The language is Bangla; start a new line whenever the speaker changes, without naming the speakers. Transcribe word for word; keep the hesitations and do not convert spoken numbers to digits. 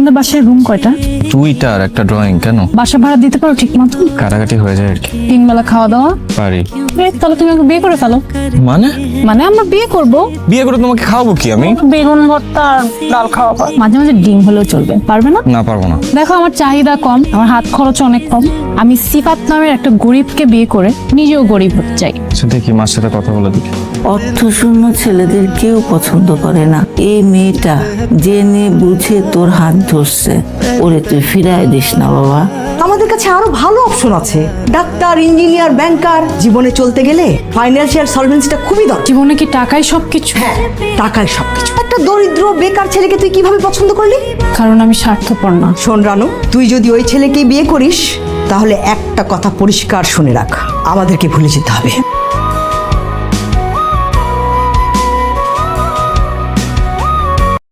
তোমাদের বাসায় রুম কয়টা?
দুইটা আর একটা ড্রয়িং। কেন?
বাসা ভাড়া দিতে পারো ঠিক মতো?
কাটাকাটি হয়ে যায় আর কি।
তিন বেলা খাওয়া দাওয়া?
পারি।
এই, তাহলে তুমি আমাকে বিয়ে করে ফেলো।
মানে?
মানে আমরা বিয়ে করব।
বিয়ে করে তোমাকে খাওয়াবো কি আমি?
বেগুন ভর্তা আর ডাল খাওয়াবো, মাঝে মাঝে ডিম হলেও চলবে। পারবে না?
না, পারবো না।
দেখো আমার চাহিদা কম, আমার হাত খরচ অনেক কম। আমি সিফাত নামের একটা গরিবকে বিয়ে করে নিজেও গরিব হতে চাই।
আচ্ছা দেখি, মার সাথে কথা বলে দেখি।
অর্থশূন্য ছেলেদের কেউ পছন্দ করে না। এই মেয়েটা জেনে বুঝে তোর হাত ধরছে, ওরে তুই ফিরায় দিস না বাবা।
আমাদের কাছে আরো ভালো অপশন আছে, ডাক্তার, ইঞ্জিনিয়ার, ব্যাংকার। জীবনে চলতে গেলে ফাইন্যান্সিয়াল সলভেন্সিটা খুবই দরকার।
জীবনে কি টাকাই সবকিছু?
হ্যাঁ, টাকায় সবকিছু। একটা দরিদ্র বেকার ছেলেকে তুই কিভাবে পছন্দ করলি?
কারণ আমি স্বার্থপর না।
শোন রানু, তুই যদি ওই ছেলেকে বিয়ে করিস তাহলে একটা কথা পরিষ্কার শুনে রাখ, আমাদেরকে ভুলে যেতে হবে।